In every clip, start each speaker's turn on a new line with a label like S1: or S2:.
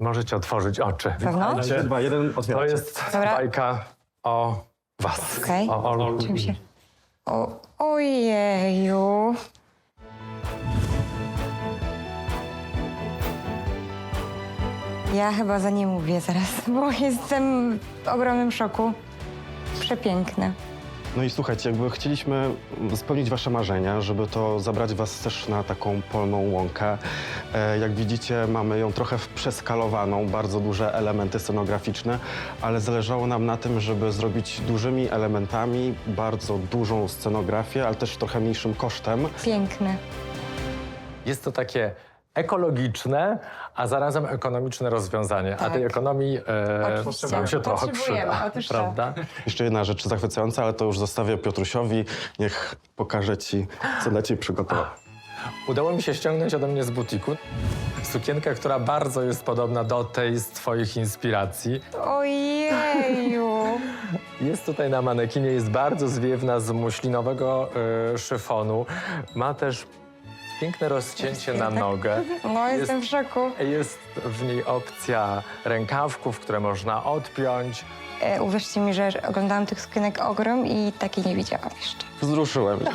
S1: Możecie otworzyć oczy.
S2: Pewno?
S1: Witajcie.
S3: 3, 2, 1,
S1: To
S3: otwierajcie.
S1: jest
S2: Dobra.
S1: bajka o was.
S2: Okej.
S1: O
S2: Czym się... Ojeju. Ja chyba za nie mówię zaraz, bo jestem w ogromnym szoku. Przepiękne.
S3: No i słuchajcie, jakby chcieliśmy spełnić wasze marzenia, żeby to zabrać was też na taką polną łąkę. Jak widzicie, mamy ją trochę przeskalowaną, bardzo duże elementy scenograficzne, ale zależało nam na tym, żeby zrobić dużymi elementami bardzo dużą scenografię, ale też trochę mniejszym kosztem.
S2: Piękne.
S1: Jest to takie ekologiczne, a zarazem ekonomiczne rozwiązanie.
S2: Tak.
S1: A tej ekonomii
S2: Oczywiście.
S1: nam się trochę
S2: Potrzebujemy,
S1: przyda.
S2: otóż to.
S1: Prawda?
S3: Jeszcze jedna rzecz zachwycająca, ale to już zostawię Piotrusiowi. Niech pokaże ci, co dla ciebie przygotował.
S1: Udało mi się ściągnąć ode mnie z butiku sukienkę, która bardzo jest podobna do tej z twoich inspiracji.
S2: Ojeju.
S1: Jest tutaj na manekinie, jest bardzo zwiewna z muślinowego szyfonu. Ma też piękne rozcięcie na nogę.
S2: No, jestem w szoku.
S1: Jest w niej opcja rękawków, które można odpiąć.
S2: Uwierzcie mi, że oglądałam tych sukienek ogrom i takiej nie widziałam jeszcze.
S3: Wzruszyłem się.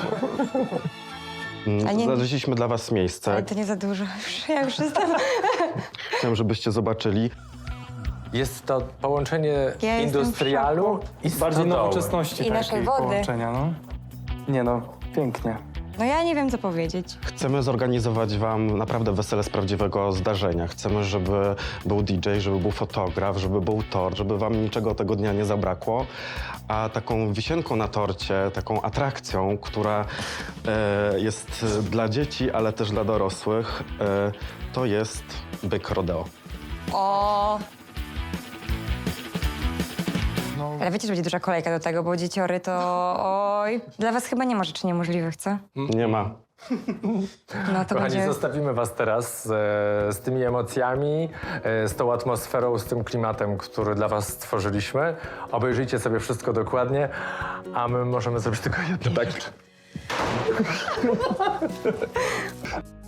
S2: A nie-
S3: Znaleźliśmy dla was miejsce.
S2: Ale to nie za dużo. Ja już jestem...
S3: Chciałem, żebyście zobaczyli.
S1: Jest to połączenie
S2: Ja jestem w
S1: industrialu
S2: szoku.
S1: i
S4: Bardziej
S1: stodoły.
S4: nowoczesności
S2: I naszej
S4: takiej
S2: wody.
S4: połączenia, no. Nie no, pięknie.
S2: No ja nie wiem, co powiedzieć.
S3: Chcemy zorganizować wam naprawdę wesele z prawdziwego zdarzenia. Chcemy, żeby był DJ, żeby był fotograf, żeby był tort, żeby wam niczego tego dnia nie zabrakło. A taką wisienką na torcie, taką atrakcją, która jest dla dzieci, ale też dla dorosłych, to jest byk rodeo.
S2: O.
S4: No,
S2: Ale wiecie, że będzie duża kolejka do tego, bo dzieciory to... Oj. Dla was chyba nie ma rzeczy niemożliwych, co?
S3: Nie ma.
S2: No to
S1: Kochani,
S2: będzie...
S1: zostawimy was teraz z tymi emocjami, z tą atmosferą, z tym klimatem, który dla was stworzyliśmy. Obejrzyjcie sobie wszystko dokładnie, a my możemy zrobić tylko jedno. Tak.